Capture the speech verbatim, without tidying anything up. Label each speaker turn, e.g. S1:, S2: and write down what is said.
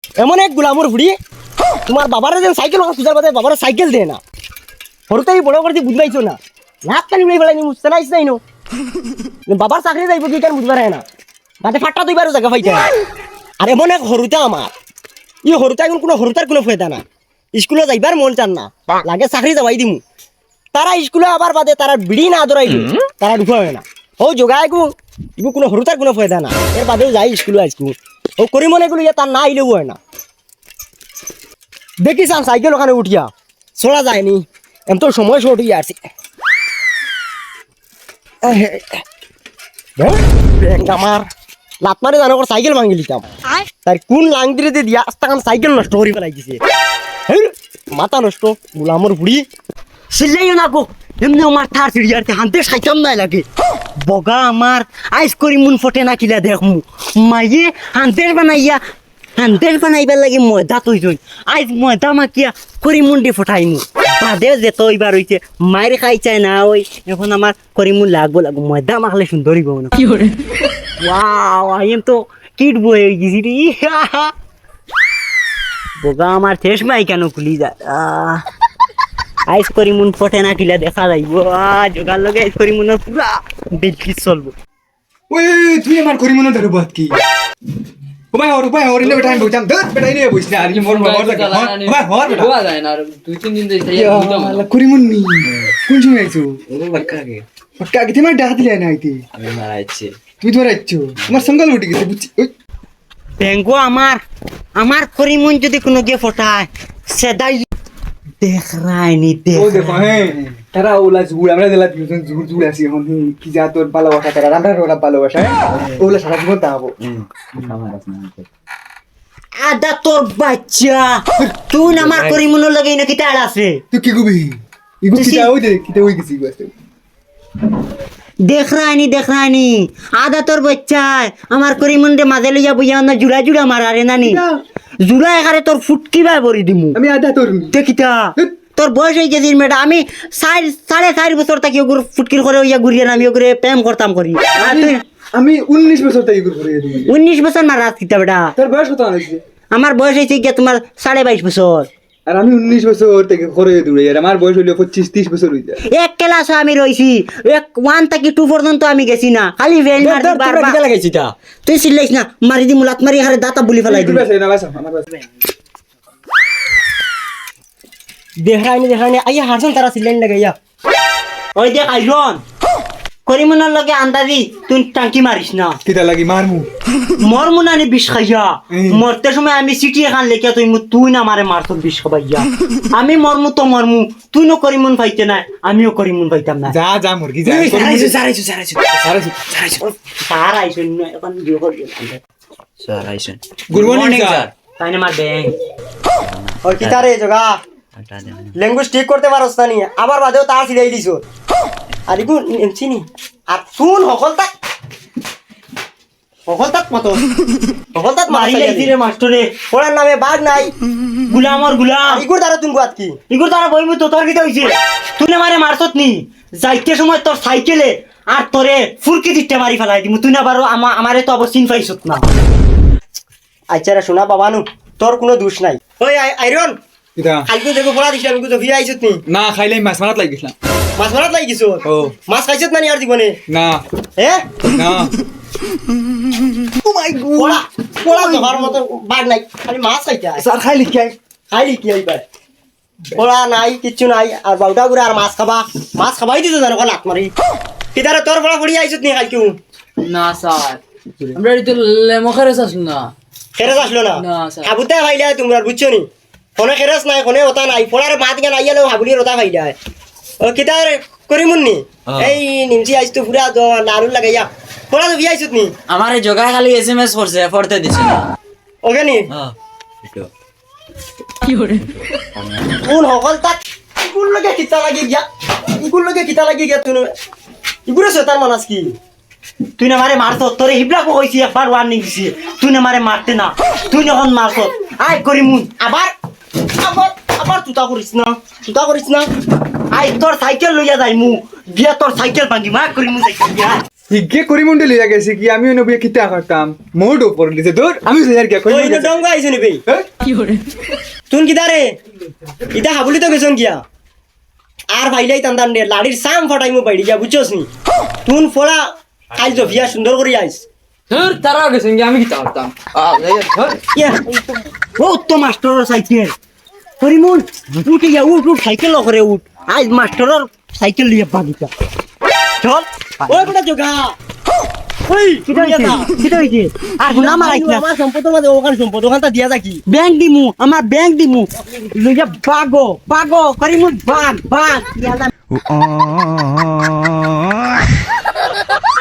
S1: এমন এক গুলামর বুড়ি তোমার বাবার যেন সাইকেল সুজার বাদে বাবার সাইকেল দেয় না হরতাই বড় করতে বুঝবাইছো না লাখ কানি উড়াই ফেলাই বুঝতে নাইস নাই নো বাবার চাকরি যাইব কি কেন বুঝবার না বাদে ফাটটা দুইবারও জায়গা পাইতে আর এমন এক হরুতা আমার ই হরুতা এখন কোনো হরুতার কোনো ফায়দা না স্কুলে যাইবার মন চান না লাগে চাকরি যাবাই দিমু তারা স্কুলে আবার বাদে তারা বিড়ি না দৌড়াইল তারা ঢুকা হয় না ও যোগায় গু ইগু কোনো হরুতার কোনো ফায়দা না এর বাদেও যাই স্কুলে আজকু ও করি মনে গুলো ইয়ে তার না আইলেও হয় না দেখি চান সাইকেল ওখানে উঠিয়া চলা যায়নি এম তো সময় শর্ট হয়ে আসছে আমার লাত মারে জানো সাইকেল ভাঙি লিতাম তার কোন লাংদিরে দিয়া আস্তাখান সাইকেল নষ্ট করে ফেলাই দিছে মাথা নষ্ট গুলামর বুড়ি সিলাইও না গো এমনি আমার থার সিঁড়িয়াতে হানতে সাইতাম নাই লাগে বগা আমার আইস করি মুন ফটে না কিলা দেখমু মাইয়ে হানতের বানাইয়া হানতের বানাইবার লাগে ময়দা তৈ জই আইস ময়দা মাকিয়া করি মুন্ডি ফটাইমু বাদে যে তো এবার হইছে মায়ের খাই চাই না ওই এখন আমার করি মুন লাগবো লাগবো ময়দা মাখলে সুন্দরই গো না কি করে ওয়াও আই এম তো কিট বয়ে গেছি রে বগা আমার শেষ মাই কেন খুলি যায় আইস করি মুন ফটে না কিলা দেখা যাইব জোগার লগে আইস করি মুনের পুরা বিলকি চলবো
S2: ওই তুই আমার করি মনে ধরে বাত কি ও ভাই ওর ভাই ওর ইলে বেটা আমি বলতাম ধর বেটা ইলে বইছ না আর কি মোর মোর জায়গা ও ভাই হর বেটা
S3: গোয়া যায় না আর দুই তিন দিন ধরে তাই বুঝলাম
S2: আল্লাহ করি মন নি কোন সময় আইছো
S3: ও বাক্কা গে
S2: পক্কা কি তোমার ডাক দিলে না আইতে
S3: আমি মারাইছি
S2: তুই ধরে আইছো তোমার সঙ্গল উঠে গেছে বুঝছি ওই
S1: ব্যাঙ্গো আমার আমার করি মুন যদি কোনো গিয়ে ফটায় সেদাই দেখ রাইনি দেখ
S2: ও দেখো হ্যাঁ তারা ওলা জুড় আমরা দিলা দুজন জুড় জুড় আছি এখন কি যা তোর ভালোবাসা তারা আমরা ওরা ভালোবাসা ওলা সারা জীবন তাবো
S1: আদা তোর বাচ্চা তুই আমার করি মুনের লগে নাকি তাড় আছে
S2: তুই কি কবি ইগু কি যাও দে কি ওই গেছি বাসে
S1: দেখ রাইনি দেখ রাইনি আদা তোর বাচ্চা আমার করি মুন্ডে মাঝে লইয়া বুঝা না জুড়া জুড়া মারারে নানি জুড়া এখানে তোর ফুটকি বাই ভরি দিমু
S2: আমি আদা তোর
S1: দেখিতা তোর বয়স হয়ে গেছিস মেয়েটা আমি সাড়ে সাড়ে চার বছর থাকি ওগুর ফুটকির করে ওইয়া ঘুরিয়ে আমি ওগুলো প্রেম করতাম করি আর তুই
S2: আমি উনিশ বছর থেকে করে দিই
S1: উনিশ বছর মারা কিতা বেটা
S2: তোর বয়স কত হয়েছে
S1: আমার বয়স হয়েছে গিয়া তোমার সাড়ে বাইশ বছর
S2: আর আমি উনিশ বছর থেকে করে দূরে আর আমার বয়স হইলো পঁচিশ তিরিশ বছর হয়ে যায়
S1: এক ক্লাস আমি রইছি এক ওয়ান থেকে টু পর্যন্ত আমি গেছি না খালি ভেল মারি বারবার
S3: লাগাইছি তা
S1: তুই চিল্লাইস না মারি দি মুলাত মারি হারে দাঁতা বুলি ফেলাই দিবি দেখাইনি দেখাইনি আইয়া হারছন তারা চিল্লাইন লাগাইয়া ওই দেখ আইরন করিমনার লগে আন্দাজি তুই টাঙ্কি মারিস না
S2: কিটা লাগি মারমু
S1: মর মুনানি বিষ খাইয়া মরতে সময় আমি চিঠি এখান লেখা তুই তুই না মারে মারত বিষ খাইয়া আমি মরমু তো মরমু তুই নো করিমন পাইতে না আমিও করিমন পাইতাম না
S2: যা যা মুরগি যা
S1: সারাইছো সারাইছো সারাইছো
S2: সারাইছো সারাইছো
S1: স্যার আইসুন এখন বিয়ে করবি
S3: স্যার আইছেন
S2: গুড মর্নিং স্যার
S1: তাই না মার ব্যাং ওই কি তারে জগা ল্যাঙ্গুয়েজ ঠিক করতে পারছ না নি আবার বাদেও তার সিলাই দিছো আর ইগু চিনি আর শুন হকলতা হকলতাত মত হকলতাত মারি লাইছি রে মাস্টারে পড়ার নামে বাঘ নাই গুলামর গুলাম ইগুর দ্বারা তুমি গাত কি ইগুর দ্বারা বইমু তো তোর কি হইছে তুই না মারে মারছত নি যাইতে সময় তোর সাইকেলে আর তোরে ফুরকি দিতে মারি ফেলাই দিমু তুই না বারো আমারে তো অবশ্য চিন পাইছত না আচ্ছা রে শোনা বাবানু তোর কোনো দোষ নাই ওই আইরন
S2: কিটা
S1: কালকে দেখো পড়া দিছিলাম কিন্তু ফিরে আইছত নি
S2: না খাইলে মাছ মারাত লাগি গেছলাম
S1: মাছ মারাত লাগি কিছু
S2: ও
S1: মাছ খাইছত না নি আর জীবনে
S2: না
S1: হে
S2: না
S1: ও মাই গড পড়া পড়া জবার মত বাগ নাই খালি মাছ খাইতে আয়
S2: স্যার খাইলি কি
S1: খাইলি কি আইবার পড়া নাই কিচ্ছু নাই আর বাউটা করে আর মাছ খাবা মাছ খাবাই দিছো জানো লাত মারি কিদারে তোর পড়া পড়ি আইছত নি কালকে
S3: না স্যার আমরা তো লেমখারে আসল না
S1: খেরাস আসলো না
S3: না স্যার
S1: হাবুতে খাইলে তোমরা বুঝছো নি কোনে খেরাস নাই কোনে ওটা নাই পড়ার মাত গান আইয়ালো হাবুলি রতা খাইলা ও কিদারে করি মুন্নি এই নিমচি আইছ তো পুরা নারু লাগাইয়া পড়া তো বিয়াইছত নি
S3: আমারে জগা খালি এসএমএস করছে পড়তে দিছে না
S1: ওকে নি
S3: হ্যাঁ এটা
S1: কি হরে কোন হকল তাক ইগুর লগে কিতা লাগি গিয়া ইগুর লগে কিতা লাগি গিয়া তুই ইগুরে শয়তান মানাস কি তুই না মারে মারছ তোরে হিবলা কো কইছি একবার ওয়ার্নিং দিছি তুই না মারে মারতে না তুই যখন মারছ আই করি মুন আবার আবার আবার তুতা করিস না তুতা করিস না আই তোর সাইকেল লইয়া যাই মু গিয়া তোর সাইকেল ভাঙি মা করি মুন সাইকেল গিয়া
S2: ইগে করিমন্ডে লইয়া গেছে কি আমি নবিয়া কিতা করতাম মোড উপর দিতে দূর আমি যাই কি কই
S1: ওই না ডঙ্গা আইছে নিবি তুন কি দারে ইটা হাবুলি তো গেছন গিয়া আর ভাইলাই তান্দান রে লাড়ির সাম ফটাইমু বাইড়ি যা বুঝছস নি তুন ফোড়া খাইছ ভিয়া সুন্দর করে আইস
S3: ধর তারা গেছে আমি কি করতাম
S1: ইয়া ও তো মাস্টারের সাইকেল করিমুন উঠে যা উঠ উঠ সাইকেল করে উঠ আজ মাস্টারের সাইকেল লিয়ে বাগিটা চল ওই বড় জগা ওই কিটা হইছে কিটা হইছে আর গুনা মারাইছ না আমার সম্পদ মাঝে ওখান সম্পদ ওখানটা দিয়া যাকি ব্যাংক দিমু আমার ব্যাংক দিমু লইয়া বাগো বাগো করিমুন বাগ বাগ